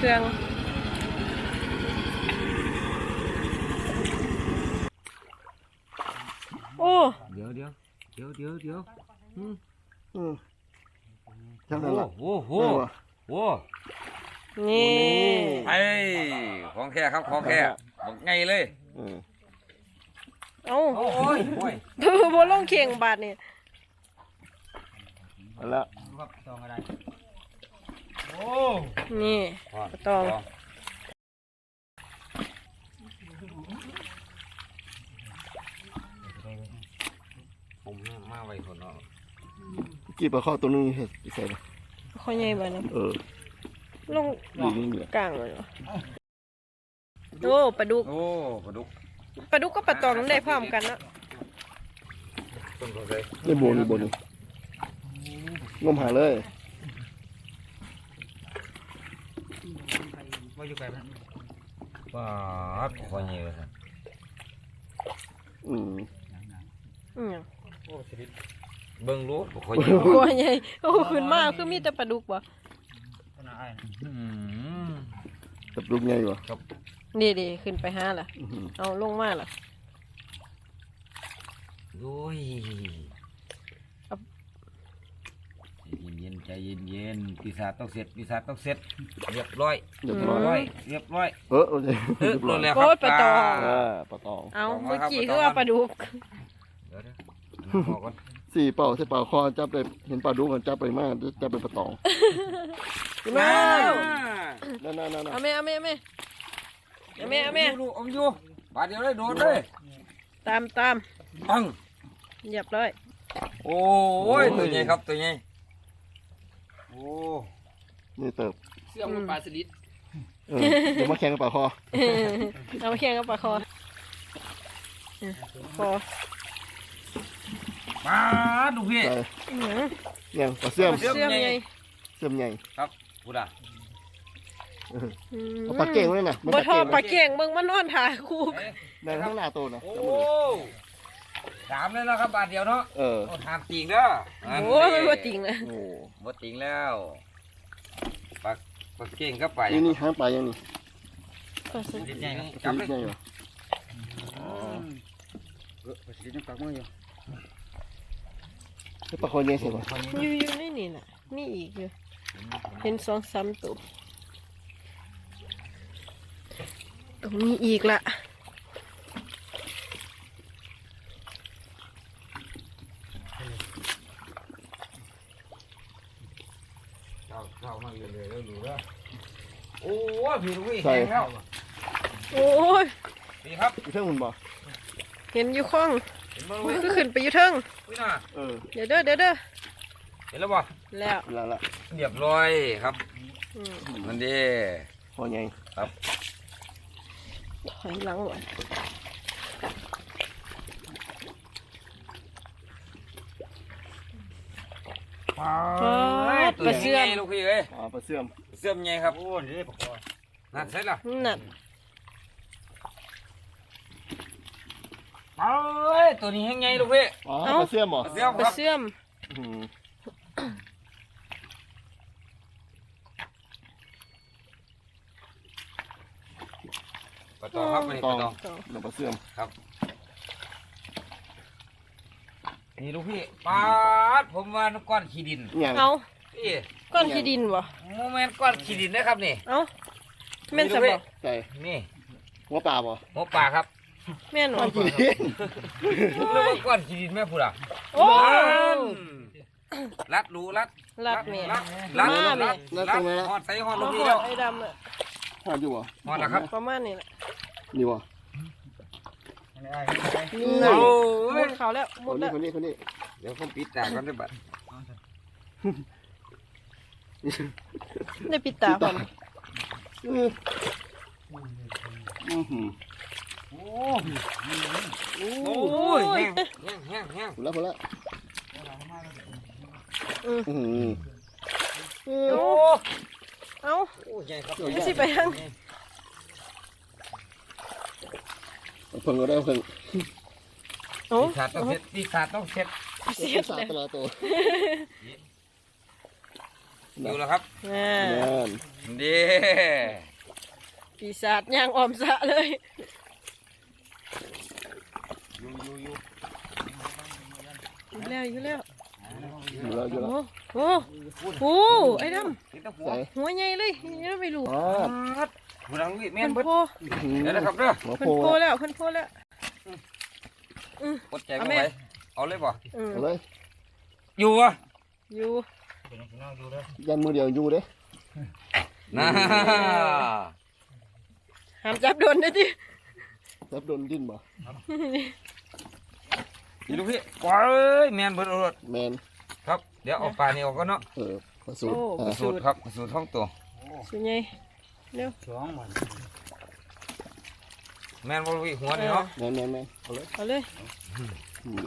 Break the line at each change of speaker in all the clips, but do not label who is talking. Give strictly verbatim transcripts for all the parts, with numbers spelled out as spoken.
เครื่องโอ้
เดี๋ยวเดี๋ยวเดี๋ยวเดี๋ยวเดี๋ยวอืม
อืมจังนั้นล่ะ
โอ้โหโอ้
นี่
ไอ้ของแค่ครับของแค่บอกไงเลย
อืม
เอ้า
โอ้ยโอ้ย
บ่ลงเข่งบาทนี่
เอาละ
ครับตองอะไรโอ้
นี่ปลาตอง
ผมมาไว้คนเนาะ
กี่ปลาข้อตัวนึงเห็ดใส่เลย
ข้อใหญ่บาทนี่
เออ
ลง
ดีนี่เหลือก
ลางเลยเหรอโอ้ปลาดุก
โอ้ปลาดุก
ปลาดุกก็ปลาตองได้พร้อมกันเนาะ
ต้นเขาเลย
นี่โบนี่โบนี่งมหาเลย
ว่าอยู่ไกลไหมว้าคอยเงี้ยเลยครับ
อืม
อือ
เบิ่งรู้คอยเงี้ย
ข้อใหญ่โอ้ขึ้นมาคือมีแต่ปลาดุกบ่
อืม
กับลูกใหญ่วะ
นี่ดิขึ้นไปหาล่ะ
อื้อหือ
เอาลงมาล่ะ
โอ้ยเย็นๆใจเย็นๆปีศาจต้องเสร็จปีศาจต้องเสร็จเรียบร้อย
เรียบ
เรีย
ร้
บ
อย
ร้อยเรียบร้อย
เออโอเค
เออ
เรียบร้อย
แล้วค
โอ้
รับ
ยปลาตอง
อ่าปลาตอง
เอาเมื่อกี้คือว่าปลาดุก
เดี๋ยวเดี๋ยวบอกก่อน
สี่เป่าใส่เป่าคอจับเลยเห็นปลาดุกกันจับไปมากจับไปปลาตอง
มา
นั่นนั่นนั่น
เอาแม่เอาแม่เอาแม่เอาแม่เอาแม่
ดูอมอยู่บาดเดียวเลยโดนเลย
ตามตาม
ปัง
เหยียบเลย
โอ้ยตัวใหญ่ครับตัวใหญ่โอ้
นี่เติบ
เสื้อมันปลาสลิด
เออเดี๋ยวมาแข่งกับปลาคอ
เอามาแข่งกับปลาคอเออคอ
มาดูพี่
ใส่
อื้อหือ
ยังปลาเสื่อม
เสื่อมใหญ่
เสื่อมใหญ่
ครับพูดอ่ะ
เออ
อืม
เอาปลาเก่งไว้น่ะ
บ่ทอ
ป
ป
ลา
ลาเก่งเบิ่งมันนอนถ่ายคู่
ในข้างหน้าโตนะ
โอ้สามเลยนะครับบาทเดียวเนาะ
เออ
โอ้ทำจริงเด้อ
โอ้ยมันบ่จริงเลย
โอ้
บ่จริงแล้วปลาปลาเก่งก็ไป
นี่นี่หางปลายังนี่
ปลาสลิด
ใหญ่
ป
จั
ลา
บ
ส
เล
ลิ
ย
ดใหญ่เหรอ
ปลาสลิดยังปักมืออยู่
ให้ปลาคอใหญ่ใส่ป่ะ
อยู่อยู่ในนี่น่ะมีอีกอยู่เห็นสองสามตัวตรงนี้อีกละ
เข้าเข้ามาเรื่อยๆแล้วดูแล้วโอ้ยพี่ลูกพี่แข็งแล้ว
โอ้ย
นี่ครับ
อีเท่าหุ่นบ่
เห็นอยู่ข้อง
เห็นบ่
มั
ลู
น
ก
ก็
พี่
ขึ้นไปอยู่เทิง
พี่น่ะ
เออ
เดี๋ยวเด้อเดี๋ยวเด้อ
เห็นแล้วบ่
แล้ว
ละละ
เรียบร้อยครับ
อืม
มันดี
คอใหญ่
ถอยหลังหน่อย
ตัวใหญ่ลูกพี่เอ้ย
อ๋อปลาเสื่อม
เสื่อมใหญ่ครับโอ้นี่ปลาคอนั่นใช่ล่ะ
นั่น
เอ้ยตัวนี้ยังไงลูกพี่
อ๋อปลาเสื่อมเหรอ
เสื่อม
ป
ค
ลา
รับ
เสื่อม
อืม
ปลาตองครับนี่ปลาตอง
น้ำปลาเสื่อม
ครับนี่ลูกพี่ปลาดผมว่าก้อนขี้ดิน
อย่าง
เอา
นี่
ก้อนขี้ดินบ่
โมเมนต์ก้อนขี้ดินนะครับนี่
เอาแม่นสบ
ใส่
นี่
หัวปลาบ่
หมูป่าครับ
แม่นบ่
ปลากี่ดิน
ผมเรียกว่าก้อนขี้ดินแม่พูดอ่ะ
โอ้
รัดรูรัด
รัดแม่
รัดรัด
มาแม่
รัดรัดหอดใส่หอดลู
มาก ห
พี่
อ
แล้
ด
ว
ไอ้ดำอะ
หอดอยู่บ่
หอดแล้วครับ
ประมาณนี้แหละ
นี่บ่
นั่น
โอ้
หม
ย
ดเขาแล้วหม
คน
ด
นี้
แล้ว
คนนี้คนนี้
เดี๋ยวผมปิดตาก่อนได้บัด
ได้ปิดตาพร้อม
อืออือหือ
โอ้ยแห้งแห้งแห้งแห้ง
พอแล้วพอแล้ว
อือ
อือหือ
อือ
โอ้
เอา
โอ้ใหญ่ครับ
ไม่สิไปทาง
เพิ่งก็ได้เพิ่ง
โอ้
ปีศาจต้องเสร็จปีศาจต้องเสร็จ
เสียด
สา
เลย
ตลาตัว
อยู่แล้วครับ
อ่า
แม่น
ดี
ปีศาจย่างออมสะเลย
อยู่อยู่อยู่
อยู่แล้วอยู่แล้ว
อยู่แล้วอยู่แล้ว
โอ้โหโอ้ไอ้ด
นี่ตะหัว
ใส่
ำหัวใหญ่เลยยังไม่รู้
อ๋อ
หัวดังนี่แม่
เพิ่
น
น
เบิด
โพ
เดี๋ยวนะครับเด้อ
หัว
เพิ่
โพ
นโพแล้วเพิ่นโพแล้ว
กดใจไม่ไหวเอาเลยบ่
อืม
เอาเลย
อยู่วะ
อยู่
ยันมือเดียวอยู่เด้
น่า
ห้ามจับโดนเด้อจิ
จับโดนดิ้นบ่
อีลูกพี่กวาดเอ้ยแม่นเบิดเอารถ
แมน
ครับเดี๋ยวเอาปลานี่ออกก็เนาะ
เออผสูตร
โอ้
อ่า
สูตรครับสูตรท้องตัว
สุดใหญ่เร็ว
แม่นบ่ลูกพี่หัวนี่เนาะ
แมนแมนแมนเอาเลย
เอาเลย
อืม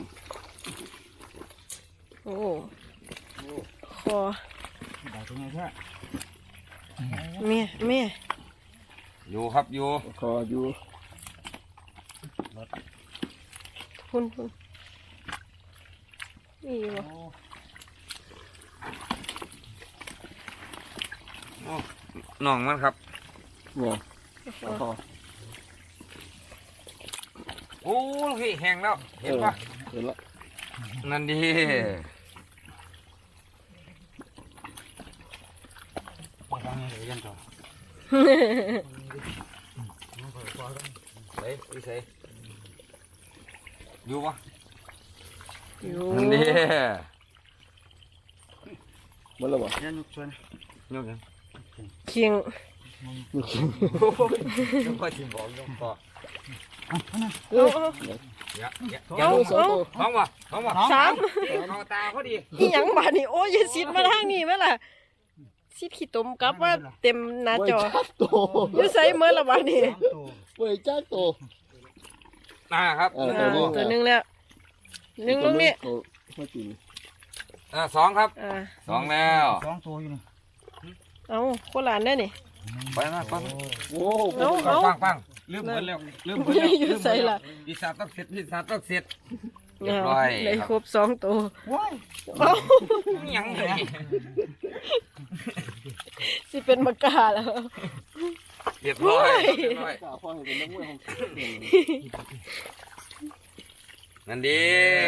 โอ้คอเมียเมีย
อยู่ครับอยู่
คออยู่
คุณคุณนี่บ่
โอ้น้องมันครับ
เนี่ยคอ
โอ้ลูกพี่แห้งแล้วเห็นปะ
เห็นละ
นั่นดีใส่พี่ใส่อยู่ปะ
อยู่
นั่นดี
หมดแล้วบ่
ยกยัง
เคียง
มีคิง
ยกพอชิมบอกยกพอ
เอาเอา
เยอะเยอะ
เอา
เยอะ
สองตัว
ท้องวะท้องวะ
สาม
เอาตาเขาดี
อีหยังบาดนี่โอ้ยอย่าซิดมาทางนี้แม่ล่ะซิดขี้ตมกลับว่าเต็มหน้า
ไว้
จอ
จักโต
อยู่ไสเมื่อละบาดนี่
ไว้จักโต
อ่าครับ
เออ
อ่าตัวหนึงแล้วหนึ่งลงนี่
โตมากิน
อ่าสองครับ
อ่า
สองแล้ว
สองตัวอยู่นี่
เอาโคหลานได้นี่
ไปมาไปมา
โอ้
เอา
ฟั
เอา
งฟังฟังลืมหมดแล้วลืมหมดแล้ว
อยู่ใส่ล่ะ
พิซซ่าต้องเสร็จพิซซ่าต้องเสร็จ เรียบ
เอา
ร้อย
เลยครบสองตัว
ว้าย
เอา
ยังไง
สิเป็นมากาแล้ว
เรียบร้อยเรียบร้อย
กล้าพ่อให้เป็นนักมวยของเก่ง
นั่นดี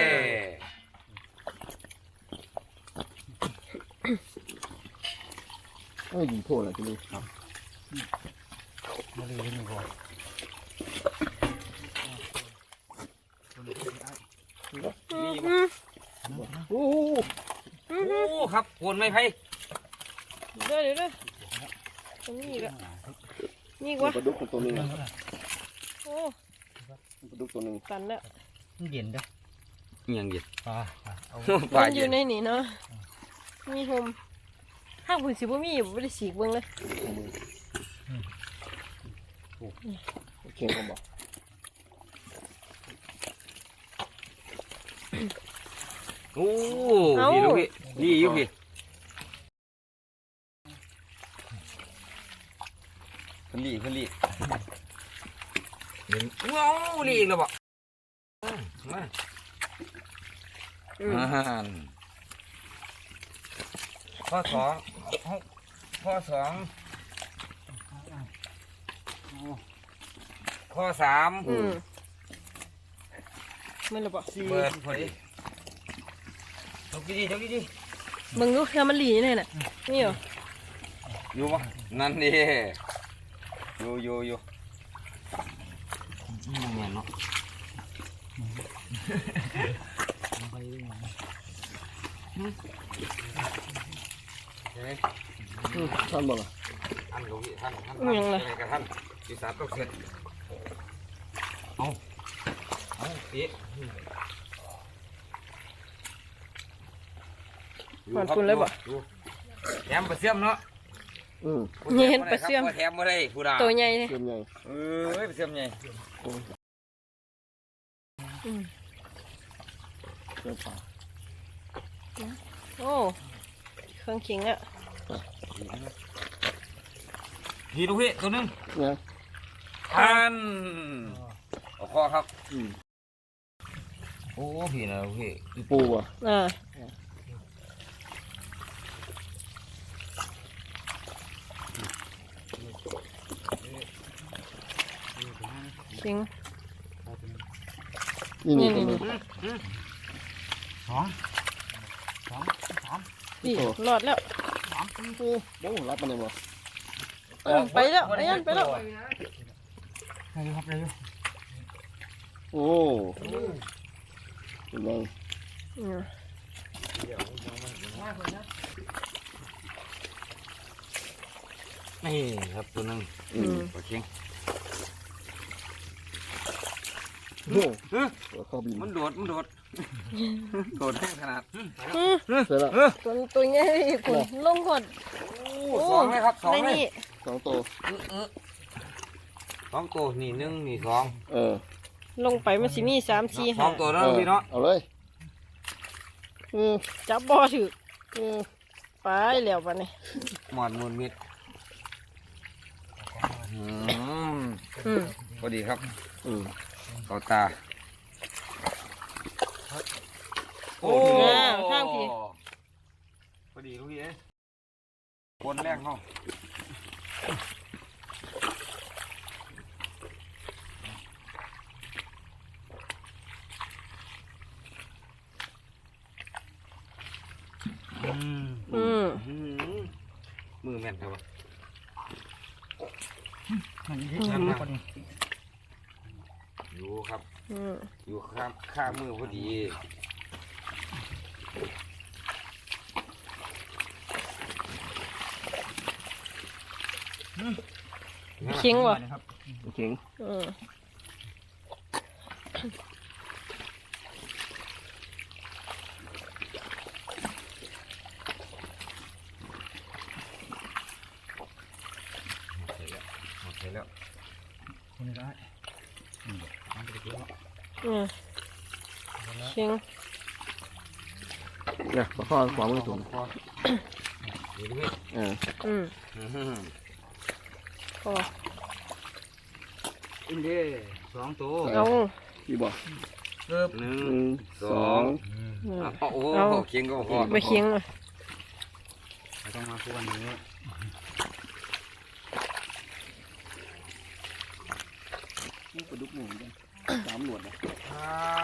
เอ้ยยิงโทษอะไรทีนี้ครับ
มาเลยนี่พอ
อืม
โอ้
อืม
โอ้ครับโคนไม่ไพ่
เดี๋ยวเดี๋ยวเดี๋ยวตรงนี้อีกอะนี่อีกวะ
ปลาดุกตัวหนึง
โอ้
ปลาดุกตัวหนึง
ตันแล้ว
มันเย็นเด้อ
ยังหยิบ
ปลาปลาเอา
ปลา
มันอ
เย็
ยู่
น
ในนี่เนาะมีโฮมห้างผุนสิบ่มีบ่ได้สีกเบิ่งเลย
โอเคผมบอก
โอ้พี่ลูกพี่นี่อยู่พี่คนดีคนดีเห็นว้าวนี่อีกแล้วบ่มา
อืม
อ่าข้อสองข้อสองข้อสาม
อืมไม่ละบ่
เปิดพอดีจกดีๆจกดี
เบิ่งดูเทื่อมันหลีนี่น่ะนี่เหรอ
ๆอยู่ปะนั่นดิอยู่อยู่อยู่อืมเงี้ยเนาะ
ไปเรื่อย
เฮ้ย
อืมท่านบอกล่ะ
ท่านหลวงพี่ท่านท่านท่านอะไรกับท่านปีศาจต้องเสร็จเอาเอาปีแถมปลาเสื่อมเนาะ
อืม
นี่เห็นปลาเสื่อม
แถมมาได้ผู้ด่า
ตัวใหญ่เลย
เต็มใหญ่
เอ้ยปลาเสื่อมใหญ่
อืม
เต็มปาก
โอ้เครื่องเคียงอ่ะ
พี่ดูพี่ตัวนึง
เนี่ย
ท่านเอาคอครับ
อืม
โอ้พี่นะพี่
ปูอ่ะ
อ่าคิง
นี่นี่
นี่
ตัว
นี่
นี้
สองสองสาม
นี่รอดแล้ว
สามสี่
โอ้โหรับมันเลยบ่
เออไปแล้วไอ้ยันไปแล้ว
อะไรครับอะไรอยู่
โอ้เป็นไง
อืม
นี่ครับตัวหนึง
อืม
ปลาเค็ง
โอ้
เฮ้ย
ตัวเข้าบิน
มันโดดมันโดดโดดแค่ขนาด
อืม
เสร็จแล้ว
ตัวตัวใหญ่คุณลงหด
โอ้สองเลยครับสอง
ใน
เลย
นี่
สองตัว
สองตัวนี่หนึ่งนี่สอง
เออ
ลงไปมันสิมีสามสี่
ส
ห้า
องตัวแล้วพี่เนาะ
เอาเลยอืม
จับบ่อถือ
อืม
Ừ.
ไปแล้วปะนี่
หมอนมูลมิดอืม
อืม
พอดีครับ
อืม
เข้าตา โอ้
อ่าข้างพี่
พอดีลูกพี่เอ้ยคนแรกเขา
อืม
อืม
อืมมือแม่นครับวะ
มันยิ่งแข็งมากกว่านี้
อยู่ครับ
อืม
อยู่ข้างข้างมือพอดี
เคิงวะ
ครับ
เก่ง
อืม
หมดแล้ว
คนนี้ได้อืมทำไปเยอะ
อืมเคิง
เนี่ยประคอขวามือสูง
พอดีลูกพี่
เออ
อืม
อื้อหือ
พอ
อินเดียสองตัว
เอา
พี่บอก
เริ่มหนึ่
ห
ง
นึ่ง
ส
ส
อ
อง ง
อืม
อืม
อ่ะโอ้โห
เอา
เคียงก็พอ
ไม่เคิงอ่ะ
ไม่ต้องมาคู่วันนี้
นี่ปลาดุกหนึ่งกันสามหนวดนะ
อ่า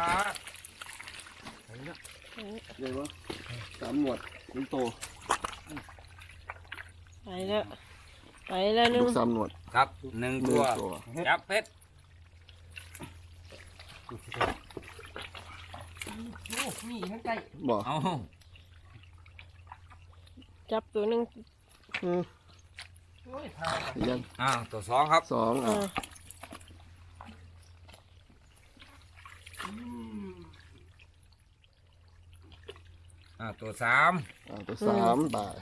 ไปแล้ว
ใหญ่ปะสามหนวดหนึ่งโต
ไปแล้วไปแล้วหนึ
ลู
ง
กสามหนวด
ครับหนึ่ง
ห
ตั
นึ่ง
ว
ตัว
จับเป็ด
บอก
เอา
จับตัวหนึง
อืมยัง
อ่าตัวสองครับ
สอง
อ่า
อ่ะ
อ่าตัวสาม
อ่ะตัวสามตาย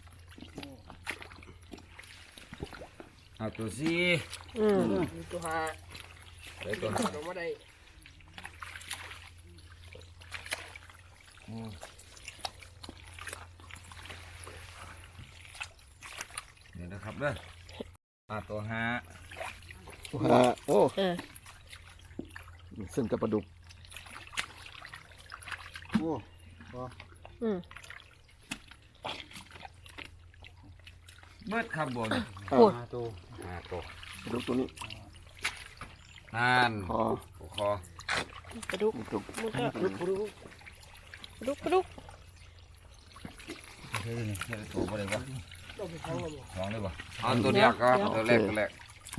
อ่าตัวสี่
อืม
ตัวห้าเดี๋ยวตัวห้าอืมเดี๋ยวนะครับเด้ออ่าตัวห้า
ตัวห้าโอ้
เออ
เส้นกับปลาดุกโอ้
อืม
เบิดครับบน
อ่ะ
พูด
มาตัว
อ่าตัว
ปลาดุกตัวนี้
นั่น
คอ
คอ
ปลาดุก
ปลาดุก
มันก็ปลาดุกปลาดุก
เฮ้ยนี่
เดี๋ยวตัวบ่ได้บ่สองได้บ่เอาตัวเดียวครับตัวแรกตัวแรก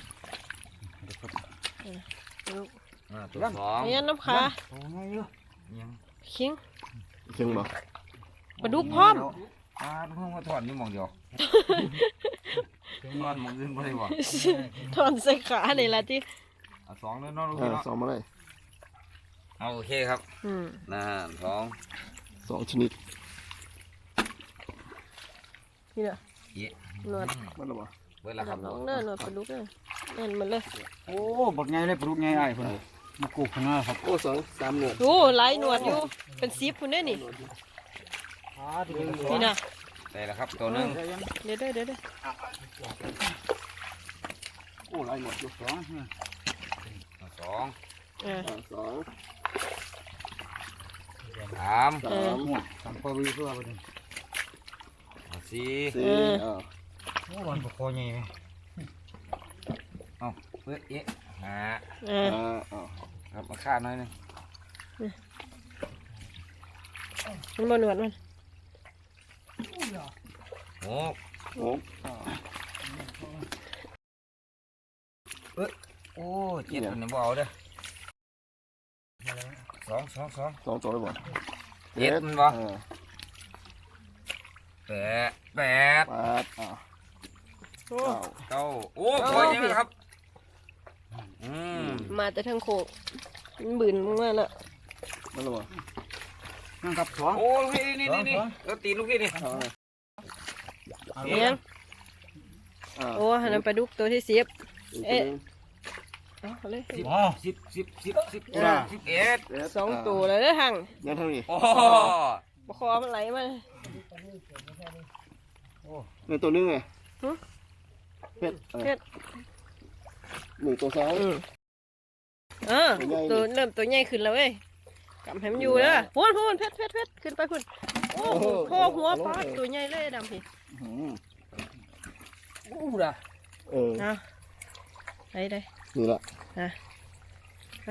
ปลาดุก
อ่าตัวสอง
ไอ้ยันน้ำขา
โอ้ยเยอะ
ยัง
เคิง
เชิงบ่
ปลาดุกพร้อม
อ่าเพิ่งมาถอนนี่หมองเดียวถอนหมองอื่นบ่ได้บ่
ถอนใส่ขานี่ละที่
เอาสองเลยเนาะลูก
อ่า
พี่เนาะ
สองมาเลย
เอาโอเคครับ
อืม
นั่นสอง
สองชนิด
นี่แหละ
เอ๊ะ
หนวด
มันหรอวะ
เบิดแล้วครับ
น้องเด้อหนวดปลาดุกเด้อนั่นมันเลย
โอ้บดไงเลยปลุกไงไอ้คนมากูข้างหน้าครับ
โอ้สองสามหนวด
โอ้หลายหนวดอยู่เป็นสิบคุณได้อนี่นี่นะ
ได้แล้วครับตัวหนึง
เดี๋ยวเด้อเดี๋ยวเด้อ
โอ้หลายหนวดอยู่
สอง
เอาสอง
เออ
อ่าสอง
สาม
สาม
หัวสามปวีเพื่อไปดิ
เอาสี่
สี่อ่า
โอ้วันปกคอใหญ่ไหม
เอาเบิดเอ๊ะอ่า
อ่า
อ่าอ่า
ครับมาฆ่าหน่อยหนึง
มันบ่หนวดมัน
โอ้
โอ้อ่า
โอ้เจ็ดมันยังบ่เอาเด้อสองสองสอง
สองตัวเลยบ่
เจ็ดมันบ่
อ่า
แปดแปด
แปดอ่า
โอ้
เก้า
เก้าโอ้พอยังครับอืม
มาแต่ทางโคกมันบืนมึงมาละ
นั่นหรอวะ
นั่งกับสอง
โอ้ลูกพี่นี่นี่นี่เออตีนลูกพี่นี่
อ่า
เอียง
อ่า
โอ้หันนไปดุกตัวที่สิบ
อีก
เอ๊ะ
ตัวหนึ่ง
เอาเลย
สิบ
อ๋อ
สิบสิบสิบสิบ
อ่า
สิบเอ็ด
เอ็ด
สองตัวเลยเด้อหัง
งั้นเท่านี้
โอ้
บคอมันไหลมา
ในตัวนึงไง
หึ
เพชร
เพชร
หนึ่งตัวซ้าย
อืมเออตัวเริ่มตัวใหญ่ขึ้นแล้วเว้ยกำให้มันอยู่เด้อพูนพูนเพชรเพชรเพชรขึ้นไปพูนโอ้โหโคหัวปลาตัวใหญ่เลยดำพี่
อืม
อู้ด่ะ
เออ
เอาได้ได้
นี่ละ
อ่ะไป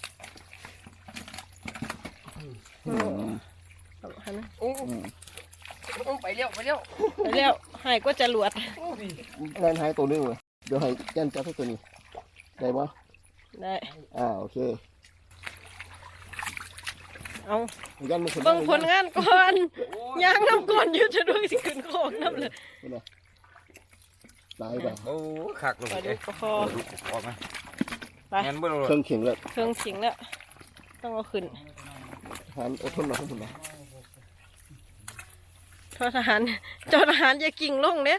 อืม
เอาหันนะ
โอ้
อืม
ไปเร็วไปเร็ว
ไปแล้วหายก็จะหลวด
แล่นหายตัวนึงเลยเดี๋ยวให้แจ้นจับให้ตัวนี้ได้ปะ
ได้
อ่าโอเค
เอา
ยันมันคน
เบิ่งผลงานก่อนยางน้ำก่อนอยู่จะด้วยสิขึ้นโคกน้ำเลย
นี่นะตายไป
โอ้ขักลง
ไป
ไป
ดูปลาคอ
ดูออกไหม
ไป
งั้นบ่รู้
เครื่องเข็งเลย
เครื่องสิงแล้วต้องเอาขึ้น
ทานอดทนหน่อยอดทนหน่อย
ทอทหารจอทหารอย่ากิ่งลงเด้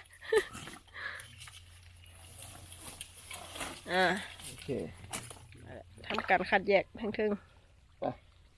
อ่า
โอเค
ทำการคัดแยกทั้งทึงๆ